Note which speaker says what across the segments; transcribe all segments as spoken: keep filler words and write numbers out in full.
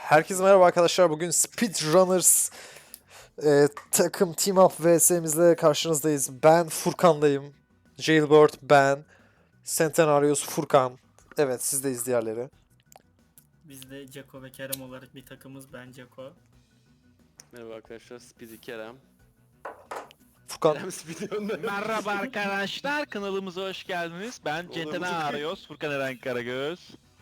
Speaker 1: Herkese merhaba arkadaşlar. Bugün Speedrunners e, takım Team Up vs'mizle karşınızdayız. Ben Furkan'dayım. Jailbird ben. Centenarius Furkan. Evet, sizdeyiz diğerleri.
Speaker 2: Biz de Ceko ve Kerem olarak bir takımız. Ben Ceko.
Speaker 3: Merhaba arkadaşlar, Speedy Kerem.
Speaker 1: Furkan
Speaker 3: Kerem Speedy Önder.
Speaker 4: Merhaba arkadaşlar, kanalımıza hoş geldiniz. Ben
Speaker 3: Olur,
Speaker 4: Centena
Speaker 3: olur.
Speaker 4: Arıyoruz, Furkan Eren Karagöz.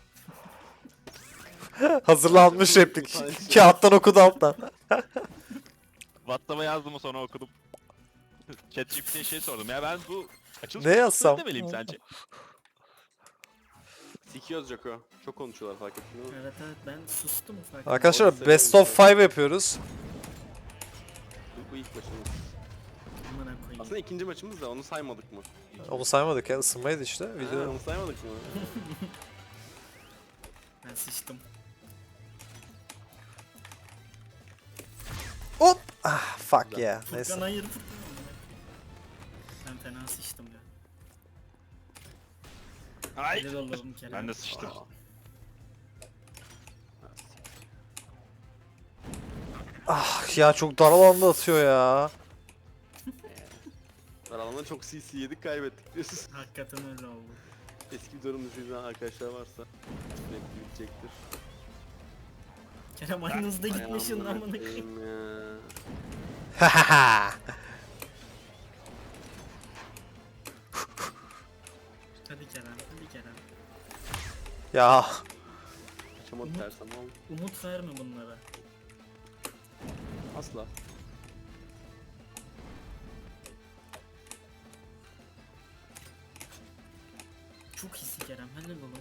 Speaker 1: hazırlanmış replik. Kağıttan okudu alttan.
Speaker 4: WhatsApp'a yazdım sonra okudum. ChatGPT'ye şey sordum ya ben bu açılış
Speaker 1: Ne
Speaker 4: konusunu
Speaker 1: yazsam?
Speaker 4: demeliyim sence?
Speaker 3: Sikiyoruz Joko. Çok konuşuyorlar fark ettin değil mi?
Speaker 2: Evet evet ben sustum ufak.
Speaker 1: Arkadaşlar
Speaker 3: Orası
Speaker 1: Best of
Speaker 3: seviyorum.
Speaker 1: five yapıyoruz.
Speaker 3: Bu, bu ilk maçımız.
Speaker 2: Amına koyayım.
Speaker 3: Aslında ikinci maçımız da onu saymadık mı?
Speaker 1: Onu saymadık ya, ısınmaydı işte.
Speaker 3: Ha,
Speaker 1: Video.
Speaker 3: onu saymadık mı?
Speaker 2: Ben sıçtım.
Speaker 1: Hop! Ah, fuck yeah.
Speaker 2: Furkan
Speaker 1: Neyse.
Speaker 2: hayır Furkan. amına koyayım. Ben fena sıçtım ya.
Speaker 4: Ay!
Speaker 2: Helal olalım Kerem.
Speaker 4: Ben de sıçtım.
Speaker 3: Aa.
Speaker 1: Ah ya, çok dar alanda atıyor ya.
Speaker 3: Aralanda çok C C yedik kaybettik diyorsun.
Speaker 2: Hakikaten öyle oldu.
Speaker 3: Eski videolarımızı izleyen arkadaşlar varsa sürekli bitecektir.
Speaker 2: Kerem aynı hızda gitmişsin
Speaker 3: Ay,
Speaker 2: amına koyayım.
Speaker 3: koyayım ya.
Speaker 1: Hahaha.
Speaker 2: Hadi Kerem, hadi Kerem.
Speaker 1: Ya
Speaker 3: Kaçamadı
Speaker 2: Umut.
Speaker 3: ters ama
Speaker 2: Umut verme bunlara.
Speaker 3: asla.
Speaker 2: Çok hisi Kerem, helal oğlum.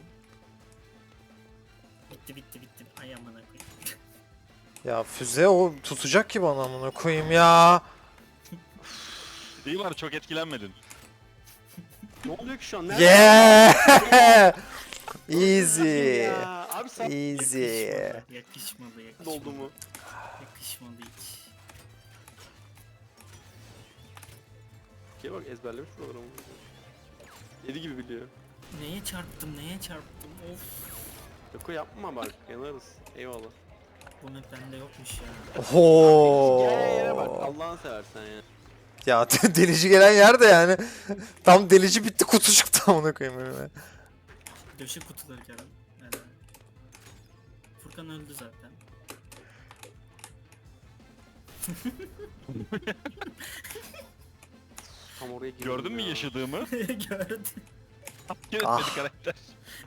Speaker 2: Bitti bitti bitti. Ay amına koyayım.
Speaker 1: ya füze o tutacak ki bana, amına koyayım ya.
Speaker 4: İyi var çok etkilenmedin.
Speaker 3: Ne oluyor ki şu an? Nerede?
Speaker 1: Yeah! Easy.
Speaker 3: Ya, abi sen
Speaker 1: Easy.
Speaker 2: Yakışmadı, yakışmadı, yakışmadı.
Speaker 3: oldu mu?
Speaker 2: Yakışmadı hiç.
Speaker 3: Ki bak ezberlemiş programı. Yedi gibi biliyor.
Speaker 2: Neye çarptım, neye çarptım? Of.
Speaker 3: Joko yapma bak yanarız. Eyvallah.
Speaker 2: Bu map bende yokmuş ya.
Speaker 3: Gel yere bak
Speaker 1: Oho.
Speaker 3: Allah'ını seversen ya.
Speaker 1: Ya delici gelen yer de yani. Tam delici bitti, kutu çıktı amına koyayım önüme.
Speaker 2: Döşe kutuları Kerem. Helal. Furkan öldü zaten.
Speaker 3: Tam oraya girdim
Speaker 4: Gördün mü
Speaker 3: ya.
Speaker 4: yaşadığımı?
Speaker 2: Gördüm.
Speaker 4: Yönetmedi
Speaker 1: Ah.
Speaker 4: karakter.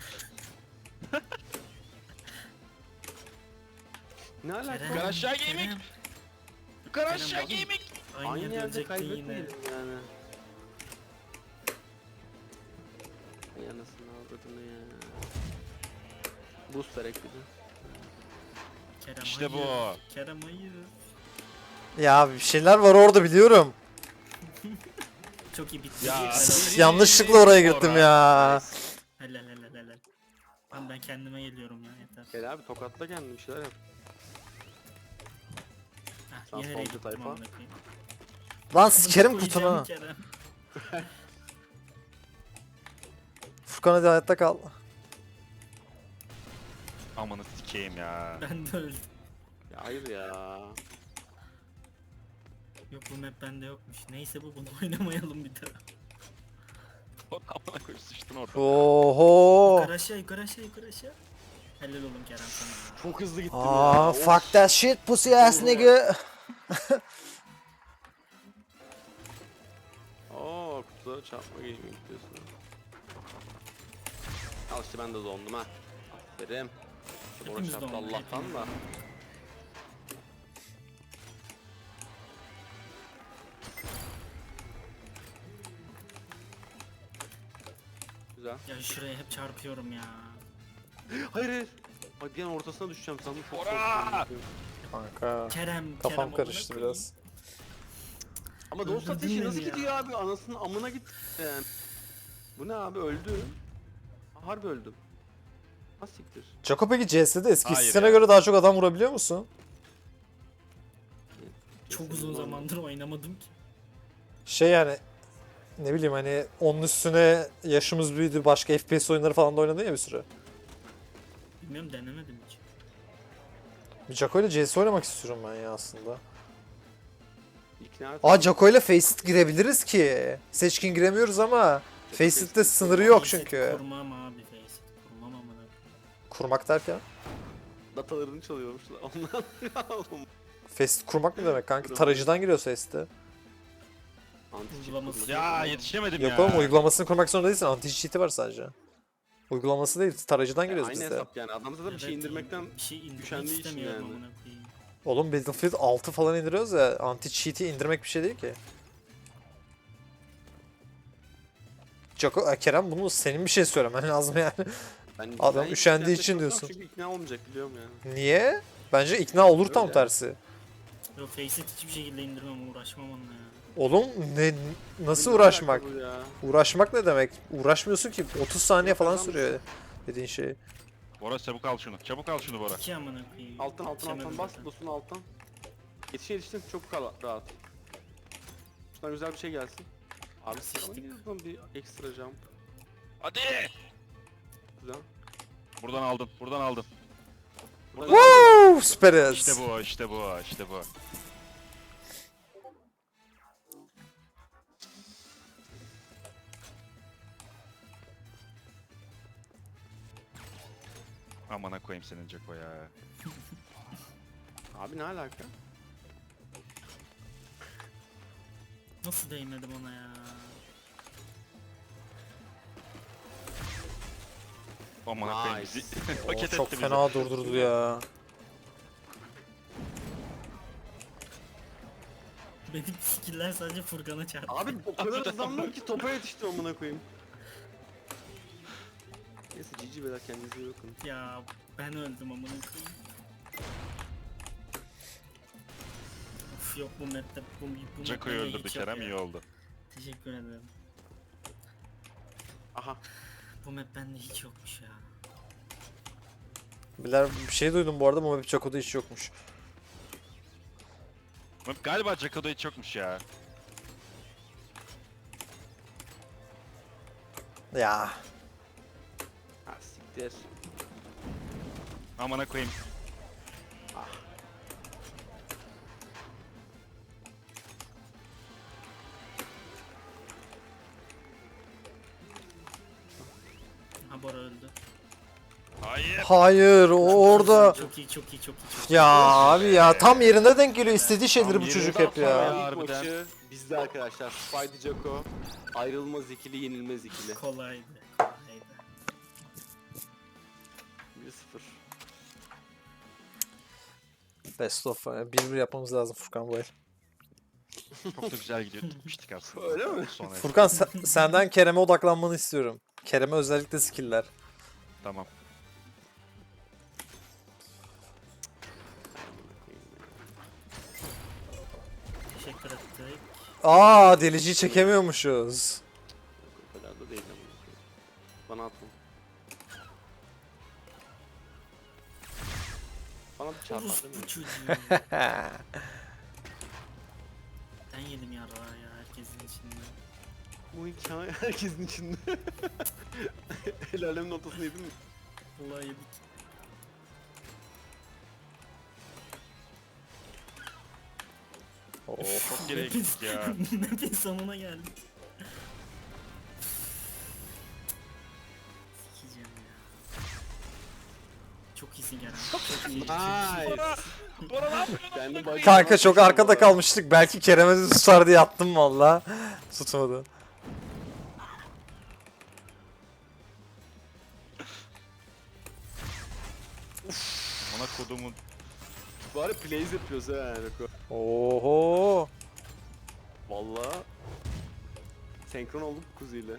Speaker 3: Ne alaka?
Speaker 2: Kerem,
Speaker 4: Yukarı aşağı gaming.
Speaker 2: Kerem.
Speaker 4: Yukarı
Speaker 2: Kerem,
Speaker 4: aşağı
Speaker 2: bakın.
Speaker 4: gaming.
Speaker 2: Aynı,
Speaker 3: Aynı
Speaker 2: yerde
Speaker 3: yerde
Speaker 2: ölecektin yine.
Speaker 3: kaybetmedim yani. Ay anasını avradını ya. Boost verek bir de.
Speaker 2: Kerem
Speaker 4: İşte
Speaker 2: hayır.
Speaker 4: bu.
Speaker 2: Kerem hayır.
Speaker 1: Ya bir şeyler var orada, biliyorum.
Speaker 2: Çok iyi bitti.
Speaker 4: Ya.
Speaker 2: Helal.
Speaker 1: Yanlışlıkla oraya girdim ya.
Speaker 2: Helal helal helal. Lan ben kendime geliyorum ya yeter.
Speaker 3: Gel abi tokatla kendini bir şeyler yap.
Speaker 2: Heh,
Speaker 3: Sen
Speaker 2: yenerek
Speaker 3: solcu
Speaker 2: gittim
Speaker 3: tayfa.
Speaker 2: amına koyayım.
Speaker 1: Lan sikerim
Speaker 2: Koyacağım
Speaker 1: kutunu.
Speaker 2: Kerem.
Speaker 1: Furkan hadi hayatta kal.
Speaker 4: Amanı sikeyim ya.
Speaker 2: Ben de öldüm.
Speaker 3: Ya hayır ya.
Speaker 2: Yok bu map bende yokmuş. Neyse bu bunu oynamayalım bir daha.
Speaker 4: Amına koyup sıçtın orada.
Speaker 1: Oho.
Speaker 2: Yukarı aşağı yukarı aşağı yukarı aşağı. Helal oğlum Kerem sana.
Speaker 3: Çok hızlı gittim
Speaker 1: Aa,
Speaker 3: ya.
Speaker 1: fuck that shit pussy ass nigga.
Speaker 3: Oo kutulara çarpma gaming diyorsun. Al işte ben de dondum ha. Aferin. Orada
Speaker 2: Hepimiz
Speaker 3: çarptı
Speaker 2: donduk,
Speaker 3: Allah'tan
Speaker 2: hepimiz
Speaker 3: da.
Speaker 2: donduk.
Speaker 3: Güzel.
Speaker 2: Ya şuraya hep çarpıyorum ya.
Speaker 3: Hayır hayır. Bak bir an ortasına düşeceğim sandım çok
Speaker 4: Ora!
Speaker 3: korktum.
Speaker 1: Kanka.
Speaker 2: Kerem,
Speaker 1: Kafam
Speaker 2: Kerem
Speaker 1: karıştı
Speaker 2: amına
Speaker 1: biraz.
Speaker 3: Ama dost
Speaker 2: Öldürdün
Speaker 3: ateşi
Speaker 2: beni
Speaker 3: nasıl
Speaker 2: ya.
Speaker 3: gidiyor abi? Anasının amına git. Yani. Bu ne abi öldü. Harbi öldüm. Ha siktir.
Speaker 1: Jaco peki C S'de eski
Speaker 4: Hayır
Speaker 1: sisteme
Speaker 4: ya.
Speaker 1: göre daha çok adam vurabiliyor musun?
Speaker 2: Çok uzun zamandır oynamadım ki.
Speaker 1: Şey yani, ne bileyim hani onun üstüne yaşımız büyüdü, başka F P S oyunları falan da oynadın ya bir süre.
Speaker 2: Bilmiyorum denemedim hiç.
Speaker 1: Jaco ile C S oynamak istiyorum ben ya aslında.
Speaker 3: İkna et.
Speaker 1: Aa Jaco ile Faceit girebiliriz ki. Seçkin giremiyoruz ama Faceit'te sınırı yok
Speaker 2: Faceit
Speaker 1: çünkü.
Speaker 2: Kurmam abi Faceit. Kurmam amına.
Speaker 1: Kurmak derken?
Speaker 3: Datalarını çalıyormuşlar. Ondan
Speaker 1: Faceit kurmak ne demek kanka? Tarayıcıdan giriyor Faceit'te.
Speaker 3: Anti-cheat
Speaker 2: Uygulaması.
Speaker 3: kurması.
Speaker 4: Ya yetişemedim
Speaker 1: Yok
Speaker 4: ya.
Speaker 1: oğlum uygulamasını kurmak zorunda değilsin. Anti-cheat'i var sadece. Uygulaması değil, tarayıcıdan
Speaker 3: E,
Speaker 1: giriyoruz
Speaker 3: aynı
Speaker 1: biz de.
Speaker 3: hesap yani. Adam zaten bir şey
Speaker 2: Evet,
Speaker 3: indirmekten
Speaker 2: bir şey indirmek
Speaker 3: üşendiği için
Speaker 2: istemiyorum
Speaker 3: yani.
Speaker 2: amına koyayım.
Speaker 1: Oğlum Battlefield altı falan indiriyoruz ya. Anti-cheat'i indirmek bir şey değil ki. Jaco, e, Kerem bunu senin bir şey söylemen lazım yani.
Speaker 3: ben
Speaker 1: Adam
Speaker 3: ben
Speaker 1: üşendiği
Speaker 3: hiç
Speaker 1: için
Speaker 3: yaklaşmam
Speaker 1: diyorsun.
Speaker 3: Çünkü ikna olmayacak biliyorum yani.
Speaker 1: Niye? Bence ikna olur tam
Speaker 3: Öyle.
Speaker 1: tersi.
Speaker 2: Yok Faceit hiçbir şekilde indirmem, uğraşmam onunla ya.
Speaker 1: Oğlum ne nasıl
Speaker 3: Ne
Speaker 1: uğraşmak?
Speaker 3: alaka bu ya?
Speaker 1: Uğraşmak ne demek? Uğraşmıyorsun ki otuz saniye
Speaker 3: Yok,
Speaker 1: falan
Speaker 3: adam-
Speaker 1: sürüyor dediğin şey.
Speaker 4: Bora çabuk al şunu. Çabuk al şunu Bora.
Speaker 2: İki amına koyayım.
Speaker 3: Alttan alttan
Speaker 2: Yetişemem
Speaker 3: alttan bas.
Speaker 2: zaten.
Speaker 3: Dostun alttan. Yetişe yetiştin çok kal rahat. Şuradan güzel bir şey gelsin. Abi
Speaker 2: Sıçtık.
Speaker 3: sana gidiyorsun bir ekstra jump.
Speaker 4: Hadi.
Speaker 3: Güzel.
Speaker 4: Buradan aldın. Buradan aldın.
Speaker 3: Burada
Speaker 1: Woo! Süperiz.
Speaker 4: İşte bu, işte bu, işte bu. Amına koyayım senin Jaco ya.
Speaker 3: Abi ne alaka?
Speaker 2: Nasıl değmedim ona ya?
Speaker 4: Amına koyayım
Speaker 3: Nice.
Speaker 4: bizi.
Speaker 1: Oo,
Speaker 4: Paket
Speaker 1: çok
Speaker 4: etti bizi.
Speaker 1: fena durdurdu ya.
Speaker 2: Benim skiller sadece Furkan'a çarptı.
Speaker 3: Abi o kadar hızlandım ki topa yetiştim amına koyayım. Neyse cici beyler kendinize iyi bakın.
Speaker 2: Ya ben öldüm amına koyayım. Of yok bu map'te bu, bu
Speaker 4: Jaco'yu
Speaker 2: map'te
Speaker 4: öldürdü
Speaker 2: hiç yok
Speaker 4: Kerem,
Speaker 2: ya.
Speaker 4: iyi oldu.
Speaker 2: Teşekkür ederim.
Speaker 3: Aha.
Speaker 2: Bu map bende hiç yokmuş ya.
Speaker 1: Biler bir şey duydum bu arada ama bir Jaco'da hiç yokmuş.
Speaker 4: Galiba Jaco'da hiç yokmuş ya.
Speaker 1: Ya.
Speaker 3: Ha siktir.
Speaker 4: Amına koyayım.
Speaker 2: Ha Bora öldü.
Speaker 4: Hayır.
Speaker 1: Hayır o orada.
Speaker 2: Çok iyi çok iyi çok iyi çok iyi.
Speaker 1: Ya abi ya tam yerine denk geliyor istediği şeyleri
Speaker 4: Tam
Speaker 1: bu
Speaker 4: yerine
Speaker 1: çocuk
Speaker 4: denk
Speaker 1: hep
Speaker 4: geliyor
Speaker 1: ya.
Speaker 4: ya.
Speaker 3: İlk
Speaker 4: harbiden.
Speaker 3: maçı bizde arkadaşlar. Spidey Jaco. Ayrılmaz ikili, yenilmez ikili.
Speaker 2: Kolaydı. Kolaydı.
Speaker 3: bir sıfır.
Speaker 1: Best of bir bir yapmamız lazım Furkan bu el.
Speaker 4: Çok da güzel gidiyor. Tutmuştuk aslında.
Speaker 3: Öyle mi?
Speaker 4: Sonra
Speaker 1: Furkan sen- senden Kerem'e odaklanmanı istiyorum. Kerem'e özellikle skill'ler.
Speaker 4: tamam.
Speaker 2: Teşekkür ettik.
Speaker 1: Aa deliciyi çekemiyormuşuz.
Speaker 3: O kadar da değil ama. Bana atma. Bana bir çarpar
Speaker 2: Orospu
Speaker 3: değil mi?
Speaker 2: çocuğu. Ben yedim yarrağı ya herkesin içinde.
Speaker 3: Bu hikaye herkesin içinde. El alemin ortasında yedin mi?
Speaker 2: Vallahi yedik.
Speaker 1: Of.
Speaker 4: Çok geriye gittik ya.
Speaker 2: Map'in sonuna geldik. Sikeceğim ya. Çok iyisin Kerem. Çok iyi. Çok iyi.
Speaker 3: Nice.
Speaker 4: Bora ne yapıyorsun?
Speaker 3: Kendim bak-
Speaker 1: Kanka çok arkada kalmıştık. Belki Kerem'e tutar diye attım valla. Tutmadı.
Speaker 4: Amına kodumun.
Speaker 3: Bari plays yapıyoruz ha yani.
Speaker 1: Oho.
Speaker 3: Valla. Senkron olduk kuziyle.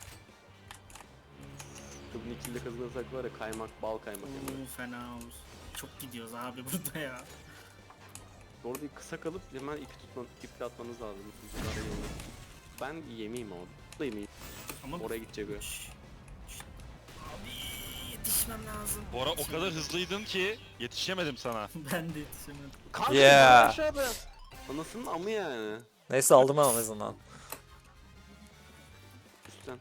Speaker 3: Kızın ikili kazanırsak var ya kaymak, bal kaymak. Yani.
Speaker 2: Oo, fena olur. Çok gidiyoruz abi burada ya.
Speaker 3: Orada kısa kalıp hemen ipi tutman, iple atmanız lazım. Kuzulara yolda. Ben yemeyeyim abi. Bu da yemeyeyim.
Speaker 2: Ama
Speaker 3: Oraya gidecek o.
Speaker 2: Şşş, şşş. Abi yetişmem lazım.
Speaker 4: Bora o kadar hızlıydın ki yetişemedim sana.
Speaker 2: Ben de yetişemedim.
Speaker 3: Kanka
Speaker 1: Yeah.
Speaker 3: aşağıda. Anasının amı yani.
Speaker 1: Neyse aldım ben en azından.
Speaker 3: Üstten.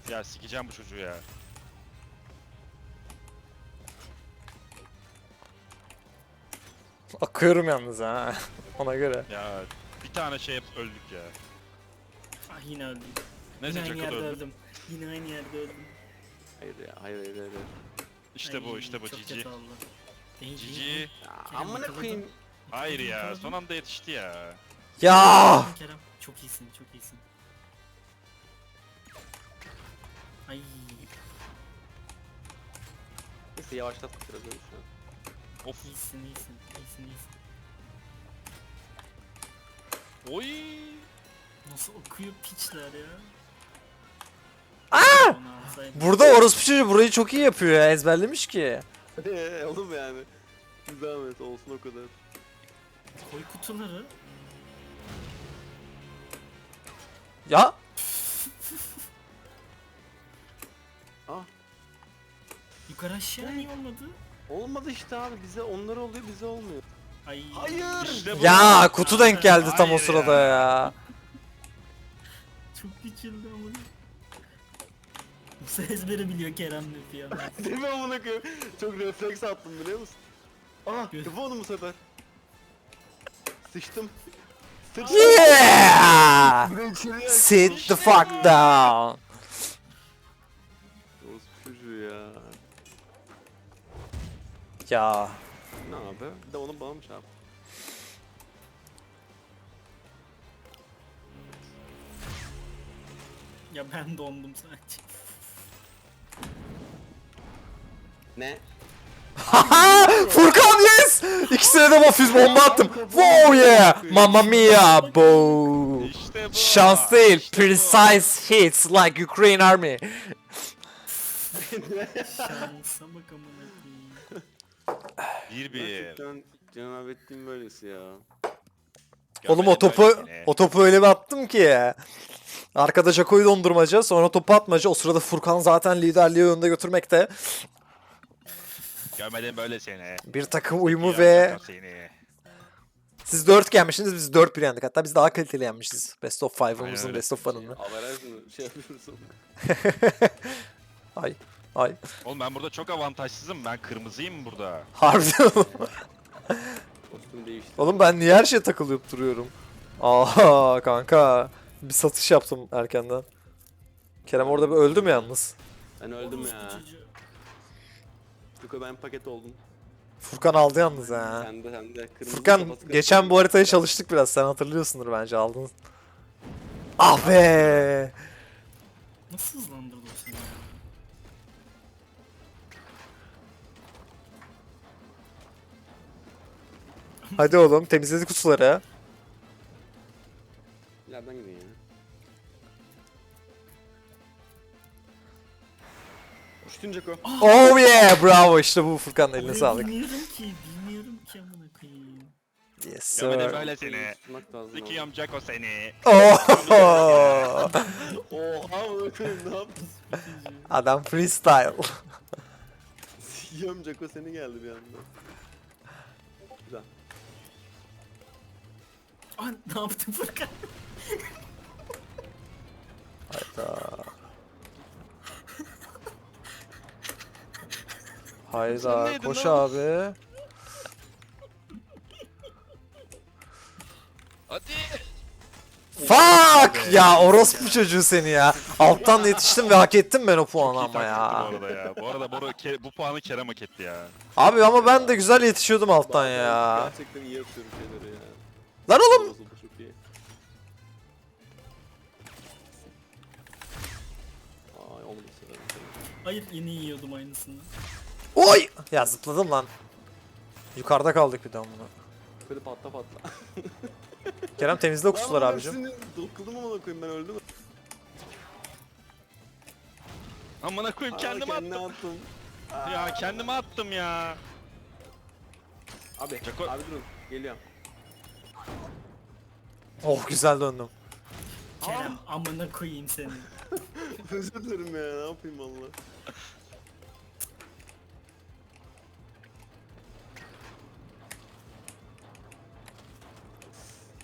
Speaker 4: Ya sikeceğim bu çocuğu ya.
Speaker 1: Akıyorum yalnız ha. Ona göre.
Speaker 4: Ya bir tane şey hep öldük ya.
Speaker 2: Ah yine öldüm.
Speaker 4: Neyse
Speaker 2: Yine aynı
Speaker 4: Jackal
Speaker 2: yerde
Speaker 4: öldü.
Speaker 2: öldüm. Yine aynı yerde öldüm.
Speaker 3: Hayır ya, hayır hayır hayır.
Speaker 4: İşte bu
Speaker 2: Ay,
Speaker 4: işte bu
Speaker 2: çok
Speaker 4: Cici.
Speaker 2: kötü oldu. Değil,
Speaker 4: Cici.
Speaker 2: değil.
Speaker 3: Ya,
Speaker 2: Kerem
Speaker 3: amına
Speaker 2: yakaladı.
Speaker 3: koyayım.
Speaker 4: Hayır ya
Speaker 2: Yakaladı.
Speaker 4: son anda yetişti ya.
Speaker 1: Ya!
Speaker 2: Kerem çok iyisin, çok iyisin. Ay.
Speaker 3: Neyse yavaşlattık biraz öyle şu an.
Speaker 4: Of.
Speaker 2: İyisin, iyisin, iyisin, iyisin.
Speaker 4: Oy.
Speaker 2: Nasıl okuyor piçler ya?
Speaker 1: Aa!
Speaker 2: Onu alsaydım.
Speaker 1: Burada orospu çocuğu burayı çok iyi yapıyor ya. Ezberlemiş ki.
Speaker 3: Eee oğlum yani. Zahmet olsun o kadar.
Speaker 2: Koy kutuları.
Speaker 1: Ya!
Speaker 3: Ah
Speaker 2: Yukarı aşağı niye olmadı?
Speaker 3: olmadı işte abi, bize onları oluyor bize olmuyor.
Speaker 2: Ay.
Speaker 3: Hayır.
Speaker 4: İşte bu.
Speaker 1: Ya kutu denk geldi tam o
Speaker 4: Hayır
Speaker 1: sırada
Speaker 4: ya.
Speaker 1: ya.
Speaker 2: Çok geçildi ama. Bu ezberi biliyor Kerem Lütfi ya.
Speaker 3: Değil mi amına koyayım? Çok refleks attım biliyor musun? Ah yapı onu bu sefer. Sıçtım. Sıçtım.
Speaker 1: Yeah!
Speaker 3: Bir de içeriye
Speaker 1: Sit the fuck down.
Speaker 3: Orospu çocuğu ya.
Speaker 1: Ya.
Speaker 3: Ne abi? Bir de onu bana mı çarptı?
Speaker 2: Ya ben dondum sadece.
Speaker 3: Ne?
Speaker 1: Furkan yes! İkisine de mafüz bomba attım. Wow yeah! Mamma mia! Bo!
Speaker 4: İşte bu.
Speaker 1: Şans değil.
Speaker 4: İşte bu.
Speaker 1: Precise hits like Ukraine Army.
Speaker 2: Şansa bak amına koyayım.
Speaker 4: Bir bir.
Speaker 3: Gerçekten cenab ettiğim böylesi ya.
Speaker 1: Oğlum o
Speaker 4: Görmedim
Speaker 1: topu
Speaker 4: böylesini.
Speaker 1: o topu öyle bir attım ki. Arkada Jaco'yu dondurmaca, sonra topu atmaca. O sırada Furkan zaten liderliği önde götürmekte.
Speaker 4: Görmedim böyle seni.
Speaker 1: Bir takım uyumu
Speaker 4: Ya,
Speaker 1: ve
Speaker 4: yapma seni.
Speaker 1: siz dört yenmişsiniz, biz dört bir yendik. Hatta biz daha kaliteli yenmişiz. Best of
Speaker 4: Aynen
Speaker 1: five'ımızın
Speaker 4: öyle.
Speaker 1: best of one'ını.
Speaker 3: Averaj mı? Şey yapıyoruz onu.
Speaker 1: Ay. Ay.
Speaker 4: Oğlum ben burada çok avantajsızım. Ben kırmızıyım burada.
Speaker 1: Harbiden.
Speaker 3: Kostüm değişti.
Speaker 1: Oğlum ben niye her şeye takılıp duruyorum? Aha kanka. Bir satış yaptım erkenden. Kerem orada bir öldü mü yalnız?
Speaker 3: Ben öldüm
Speaker 2: Orospu
Speaker 3: ya.
Speaker 2: çocuğu.
Speaker 3: Yuko ben paket oldum.
Speaker 1: Furkan aldı yalnız ha.
Speaker 3: Sen de sen de. Kırmızı
Speaker 1: Furkan
Speaker 3: kafası
Speaker 1: geçen
Speaker 3: kırmızı.
Speaker 1: bu haritayı çalıştık biraz. Sen hatırlıyorsundur bence aldın. Ah be.
Speaker 2: Nasıl hızlandırdı o seni ya?
Speaker 1: Hadi oğlum temizledik kutuları.
Speaker 3: İleriden gidiyor ya. Uçtun Ceko.
Speaker 1: Oh yeah bravo işte bu Furkan eline
Speaker 2: Orayı
Speaker 1: sağlık.
Speaker 2: Bilmiyorum ki, bilmiyorum ki amına koyayım.
Speaker 1: Yes
Speaker 4: Görmedim
Speaker 1: sir.
Speaker 4: böyle seni.
Speaker 3: Tutmak lazım.
Speaker 4: Sikiyorum Jacko seni.
Speaker 1: Oh.
Speaker 3: Oha bakayım ne yaptın?
Speaker 1: Adam freestyle.
Speaker 3: Sikiyorum Ceko seni geldi bir anda. Güzel.
Speaker 2: Aa, ne yaptın Furkan?
Speaker 4: Sen
Speaker 1: Hayda
Speaker 4: neydin
Speaker 1: koş
Speaker 4: lan?
Speaker 1: abi.
Speaker 4: Hadi.
Speaker 1: Fuck ya orospu çocuğu seni ya. Alttan yetiştim ve hak ettim ben o puanı
Speaker 4: Çok iyi
Speaker 1: ama ya.
Speaker 4: taktikti bu arada ya. Bu arada Bora, Ke- bu puanı Kerem hak etti ya.
Speaker 1: Abi ama ben de güzel yetişiyordum alttan ya.
Speaker 3: Gerçekten iyi yapıyorum şeyleri ya.
Speaker 1: Lan oğlum.
Speaker 3: Bozuldu, çok iyi. Ay olmadı sıra.
Speaker 2: Hayır yeni yiyordum aynısını.
Speaker 1: Oy. Ya zıpladım lan. Yukarıda kaldık bir daha bunu.
Speaker 3: Böyle patla patla.
Speaker 1: Kerem temizle o kutuları
Speaker 3: Lan
Speaker 1: abicim.
Speaker 3: hepsini Dokudum ama koyayım ben öldüm.
Speaker 4: Amına koyayım
Speaker 3: Aa,
Speaker 4: kendime
Speaker 3: kendine
Speaker 4: attım.
Speaker 3: attım.
Speaker 4: Ya kendime attım ya.
Speaker 3: Abi,
Speaker 4: Ceko-
Speaker 3: abi durun. Geliyorum.
Speaker 1: Oh güzel döndüm.
Speaker 2: Kerem amına koyayım seni.
Speaker 3: Özür dilerim ya, ne yapayım valla.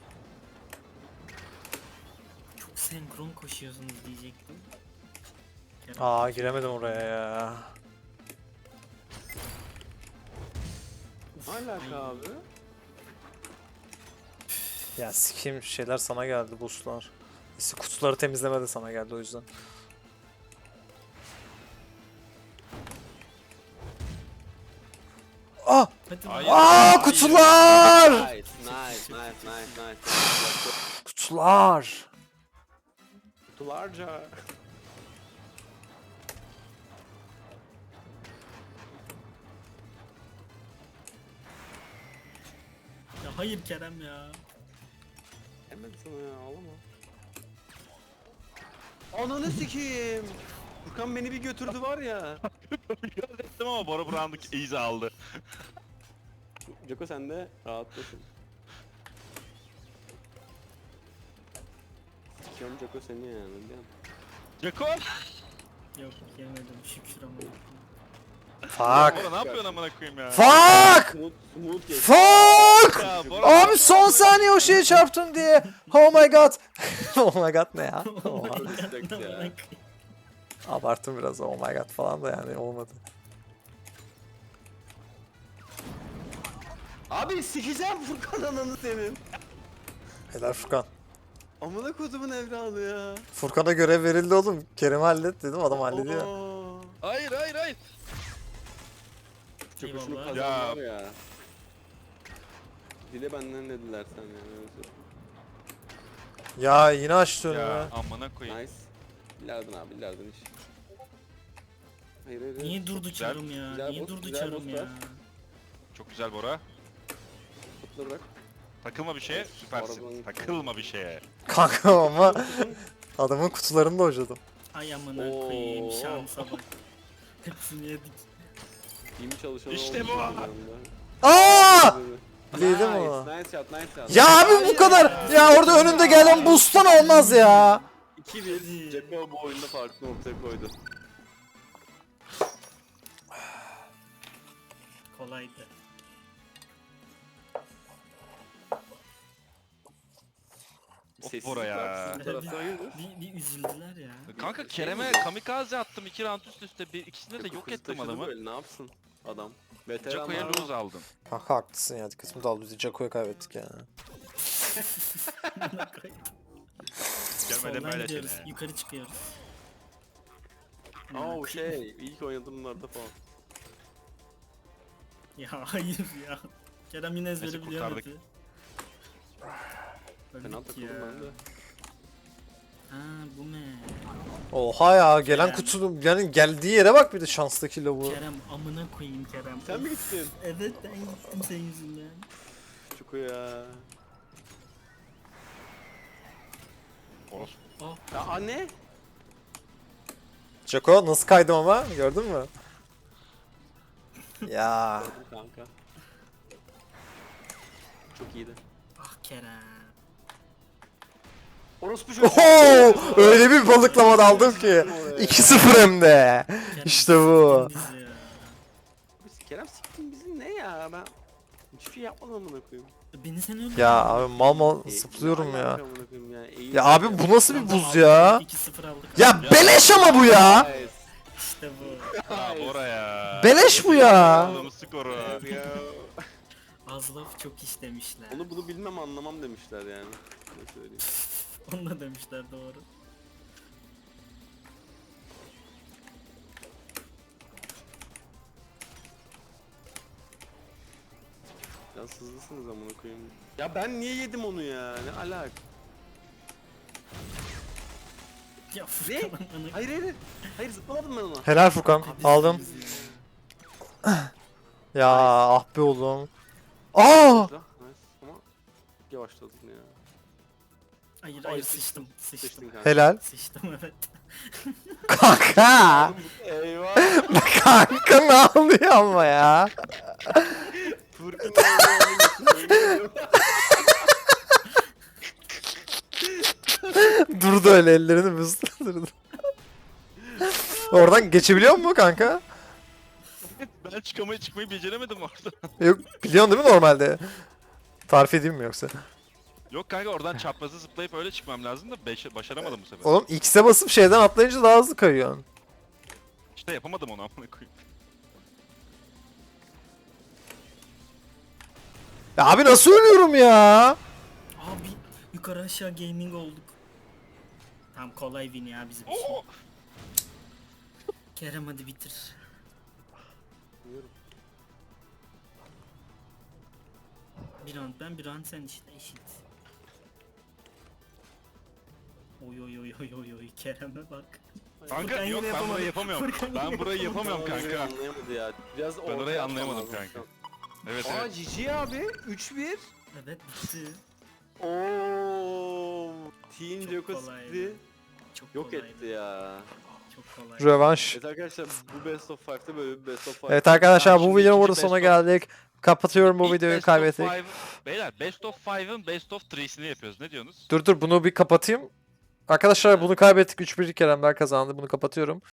Speaker 2: Çok senkron koşuyorsunuz diyecektim. Kerem.
Speaker 1: Aa giremedim oraya ya.
Speaker 3: Ne alaka abi?
Speaker 1: Ya sikeyim şeyler sana geldi boostlar. İşte kutuları temizleme de sana geldi o yüzden. Ah!
Speaker 2: Hadi
Speaker 4: Hayır.
Speaker 2: lan.
Speaker 1: Aa
Speaker 4: Hayır.
Speaker 1: kutular!
Speaker 3: Nice, nice, nice, nice, nice.
Speaker 1: Kutular!
Speaker 3: Kutularca.
Speaker 2: Ya hayır Kerem ya.
Speaker 3: Hemen sana ya ağlama. Ananı sikeyim. Furkan beni bir götürdü var ya.
Speaker 4: Biraz ettim ama Bora Brown'daki easy aldı.
Speaker 3: Joko sen de rahatlasın. Sikiyorum Joko seni yani biliyor musun?
Speaker 4: Jeko!
Speaker 2: Yok yemedim şükür ama.
Speaker 1: Fuck!
Speaker 4: Bora ne yapıyorsun amına koyayım ya?
Speaker 1: Fuck!
Speaker 3: Smooth, smooth geç.
Speaker 1: Fuck!
Speaker 4: Ya Bora
Speaker 1: Abi son saniye o şeye çarptım diye. Oh my god. Oh my god ne ya? Oha.
Speaker 3: Çok respect ya.
Speaker 1: Abarttım biraz oh my god falan da yani olmadı.
Speaker 3: Abi sikeceğim Furkan ananı senin.
Speaker 1: Helal Furkan.
Speaker 3: Amına kodumun evladı ya.
Speaker 1: Furkan'a görev verildi oğlum. Kerem hallet dedim adam hallediyor.
Speaker 3: Oo.
Speaker 4: Hayır hayır hayır.
Speaker 3: Çok hoşunu
Speaker 2: Eyvallah.
Speaker 3: kazanlar ya. Dile benden dediler sen yani. öyle söyleyeyim.
Speaker 1: Ya yine açtı önümü.
Speaker 4: Ya amına koyayım.
Speaker 3: Nice. Bilardın abi bilardın iş. Hayır hayır. hayır.
Speaker 2: Niye durdu çarım ya?
Speaker 3: güzel
Speaker 2: Niye
Speaker 3: boss,
Speaker 2: durdu
Speaker 3: güzel
Speaker 2: çarım
Speaker 3: boss
Speaker 2: ya?
Speaker 3: var.
Speaker 4: Çok güzel Bora.
Speaker 3: Kutla bırak.
Speaker 4: Takılma bir şeye süpersin.
Speaker 3: Arabanın-
Speaker 4: Takılma bir şeye.
Speaker 1: Kanka ama adamın kutularını da hocadım.
Speaker 2: Ay amına
Speaker 3: Oo.
Speaker 2: koyayım şansa bak. Hepsini yedik.
Speaker 3: İyi mi çalışan
Speaker 4: İşte
Speaker 3: olmuş
Speaker 4: bu.
Speaker 3: bir anda.
Speaker 1: Aa!
Speaker 3: Nice,
Speaker 1: Değdi mi o?
Speaker 3: nice shot, nice shot.
Speaker 1: Ya abi bu kadar. Ya orada önünde gelen boost'tan olmaz ya.
Speaker 3: iki bir. Jacko bu oyunda farklı noktaya koydu.
Speaker 2: Kolaydı.
Speaker 4: Of
Speaker 3: Sessizlik
Speaker 4: Bora ya.
Speaker 3: var sizin tarafta, hayırdır?
Speaker 2: Bir, bir üzüldüler ya.
Speaker 4: Kanka Kerem'e kamikaze attım iki round üst üste. Bir, ikisinde de
Speaker 3: Jacko
Speaker 4: yok
Speaker 3: kızı
Speaker 4: ettim
Speaker 3: taşıdı
Speaker 4: adamı.
Speaker 3: böyle, ne yapsın adam? Veteran
Speaker 4: Jaco'ya
Speaker 3: var ama-
Speaker 4: lose aldım.
Speaker 1: Kanka haklısın ya dikkatimi daldı. Biz Jaco'yu kaybettik ya.
Speaker 4: Görmedim
Speaker 2: Soldan
Speaker 4: böyle
Speaker 2: gidiyoruz.
Speaker 4: seni.
Speaker 2: Yukarı çıkıyoruz.
Speaker 3: Aa o şey, ilk oynadığımlarda falan.
Speaker 2: Ya hayır ya. Kerem yine ezberi
Speaker 4: Neyse,
Speaker 2: biliyor
Speaker 4: kurtardık.
Speaker 2: map'i.
Speaker 3: Fena
Speaker 2: Öldük
Speaker 3: takıldım
Speaker 2: ya.
Speaker 3: ben de.
Speaker 2: Ha bu ne?
Speaker 1: Oha ya gelen
Speaker 2: Kerem.
Speaker 1: kutunun yani geldiği yere bak bir de şanstaki bu.
Speaker 2: Kerem amına koyayım Kerem.
Speaker 3: Sen mi gittin?
Speaker 2: Evet ben gittim senin yüzünden.
Speaker 3: Çuku ya.
Speaker 4: Orospu.
Speaker 2: Oh
Speaker 3: Ya anne?
Speaker 1: Jaco nasıl kaydım ama gördün mü? Ya
Speaker 3: Kanka. Çok iyiydi.
Speaker 2: ah Kerem.
Speaker 3: Orospu çocuğu.
Speaker 1: Oho! Öyle bir balıklama daldım ki. iki sıfır hem de.
Speaker 2: Kerem
Speaker 1: İşte bu.
Speaker 2: siktin bizi ya.
Speaker 3: Biz Kerem siktin bizi ne ya ben hiçbir şey yapmadım amına koyayım.
Speaker 2: Beni sen öldürdün.
Speaker 1: Ya abi mal mal
Speaker 3: E,
Speaker 1: zıplıyorum
Speaker 3: ne
Speaker 1: ya.
Speaker 3: alaka amına koyayım ya. Eğil-
Speaker 1: Ya abi bu nasıl bir buz ya?
Speaker 2: iki sıfır aldık.
Speaker 1: Ya beleş ama bu ya.
Speaker 3: Nice.
Speaker 2: İşte bu.
Speaker 4: Ya Bora ya.
Speaker 1: Beleş bu ya.
Speaker 4: Aldığımız skoru.
Speaker 3: Ya.
Speaker 2: Az laf çok iş demişler.
Speaker 3: Onu bunu bilmem anlamam demişler yani. Ne söyleyeyim.
Speaker 2: Onu da demişler doğru.
Speaker 3: Ya sızlısınız amına koyayım. Ya ben niye yedim onu ya? Ne alak?
Speaker 2: Ya Furkan amına
Speaker 3: Hayır hayır. Hayır zıplamadım ben ona.
Speaker 1: Helal Furkan. Aldım.
Speaker 2: bizi ya.
Speaker 1: Ya ah be oğlum. Aa!
Speaker 3: Nice ama yavaşladın ya.
Speaker 2: Hayır
Speaker 3: Ay,
Speaker 2: hayır sıçtım. Sıçtım.
Speaker 3: Seçtin kanka.
Speaker 1: Helal.
Speaker 2: Sıçtım evet.
Speaker 1: Kanka.
Speaker 3: Eyvah.
Speaker 1: Kanka ne oluyor ama ya?
Speaker 3: Furkan
Speaker 1: Durdu öyle ellerini bıstırdı. Oradan geçebiliyor mu kanka?
Speaker 4: Ben çıkamayı çıkmayı beceremedim orada.
Speaker 1: Yok biliyorsun değil mi normalde? Tarif edeyim mi yoksa?
Speaker 4: Yok kanka oradan çaprazı zıplayıp öyle çıkmam lazım da beş- başaramadım bu sefer.
Speaker 1: Oğlum X'e basıp şeyden atlayınca daha hızlı kayıyorsun.
Speaker 4: yapamadım onu amına koyayım.
Speaker 1: Ya abi nasıl ölüyorum ya?
Speaker 2: Abi yukarı aşağı gaming olduk. Tamam kolay win ya bizim için.
Speaker 4: Oo!
Speaker 2: Kerem hadi bitir.
Speaker 3: Biliyorum.
Speaker 2: Bir round ben bir round sen işte eşit. Oy oy oy oy oy oy Kerem'e bak.
Speaker 4: Kanka
Speaker 2: Furkan
Speaker 4: yok
Speaker 2: yine
Speaker 4: ben
Speaker 2: yapamadı.
Speaker 4: burayı yapamıyorum.
Speaker 2: Furkan
Speaker 4: Ben
Speaker 2: yine
Speaker 4: burayı
Speaker 2: yapamadı.
Speaker 4: yapamıyorum
Speaker 3: Orayı
Speaker 4: kanka.
Speaker 3: anlayamadı ya. Biraz
Speaker 4: Ben
Speaker 3: ortaya
Speaker 4: orayı
Speaker 3: atman
Speaker 4: anlayamadım
Speaker 3: lazım.
Speaker 4: kanka. Evet
Speaker 5: Aa
Speaker 4: evet.
Speaker 5: G G abi. üç bir.
Speaker 2: Evet bitti.
Speaker 3: Ooo. Team
Speaker 2: Çok
Speaker 3: Joko
Speaker 2: kolaydı.
Speaker 3: Speed'i
Speaker 2: Çok
Speaker 3: yok
Speaker 2: kolaydı.
Speaker 3: etti ya.
Speaker 2: Çok kolay.
Speaker 1: Rövanş.
Speaker 3: Evet arkadaşlar bu Best of five'da böyle bir Best of five.
Speaker 1: Evet arkadaşlar
Speaker 4: Tamam,
Speaker 1: bu
Speaker 4: şimdi
Speaker 1: videonun
Speaker 4: ikinci
Speaker 1: burada
Speaker 4: best
Speaker 1: sonuna
Speaker 4: of-
Speaker 1: geldik. Kapatıyorum bu
Speaker 4: İlk
Speaker 1: videoyu,
Speaker 4: best of
Speaker 1: kaybettik.
Speaker 4: five- Beyler best of five'ın best of three'sini yapıyoruz. Ne diyorsunuz?
Speaker 1: Dur dur bunu bir kapatayım. Arkadaşlar bunu kaybettik. üç bir Keremler kazandı. Bunu kapatıyorum.